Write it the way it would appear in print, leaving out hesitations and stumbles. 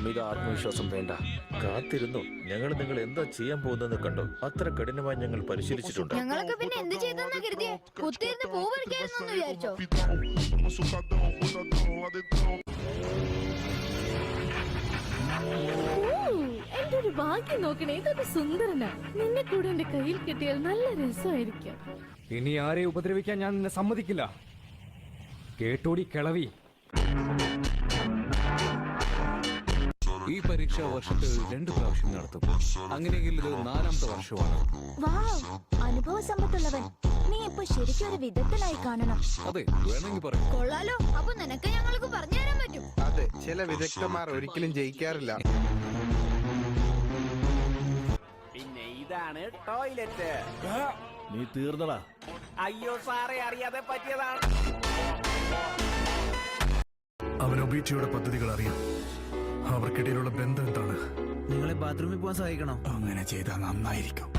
അമിത ആത്മവിശ്വാസം വേണ്ട. കാത്തിരുന്നു. ഞങ്ങൾ നിങ്ങൾ എന്താ ചെയ്യാൻ പോകുന്നതെന്ന് കണ്ടോ. അത്ര കഠിനമായി ഞങ്ങൾ പരിശീലിച്ചിട്ടുണ്ട്. ഞങ്ങളൊക്കെ പിന്നെ എന്ത് ചെയ്തെന്നാ കരുതിയേ? കുത്തിയിരുന്ന് പൂ പറിക്കായിരുന്നു വിചാരിച്ചോ? എന്റെ ഒരു ഭാഗ്യം നോക്കണേ, ഇതൊരു സുന്ദരനാ. നിന്നെ കൂടെ എന്റെ കയ്യിൽ കിട്ടിയാൽ നല്ല രസമായിരിക്കും. ഇനി ആരെയും ഉപദ്രവിക്കാൻ ഞാൻ നിന്നെ സമ്മതിക്കില്ല. കേട്ടോടി കിളവി. ഈ പരീക്ഷ വർഷത്തിൽ 2 പ്രാവശ്യം നടത്തും. അങ്ങനെയെങ്കിൽ ഇത് 4ാമത്തെ വർഷമാണ്. അനുഭവ സമ്പത്തുള്ളവൻ. നീ ഇപ്പൊ ശരിക്കും ഒരു വിദഗ്ധനായി കാണണം. അതെ, വേണമെങ്കിൽ പറയാം. കൊള്ളാലോ. അപ്പൊ നിനക്ക് ഞങ്ങൾക്ക് പറഞ്ഞു തരാൻ പറ്റും. അതെ, ചില വിദഗ്ധന്മാർ ഒരിക്കലും ജയിക്കാറില്ല. പിന്നെ ഇതാണ് ടോയ്ലറ്റ്. നീ തീർന്നടാ. അയ്യോ സാറേ, അറിയാതെ പറ്റിയതാണ്. അവൻ ഒബീറ്റയുടെ പദ്ധതികൾ അറിയാം. അവർക്കിടയിലുള്ള ബന്ധം എന്താണ്? നിങ്ങളെ ബാത്റൂമിൽ പോകാൻ സഹായിക്കണോ? അങ്ങനെ ചെയ്താൽ നന്നായിരിക്കും.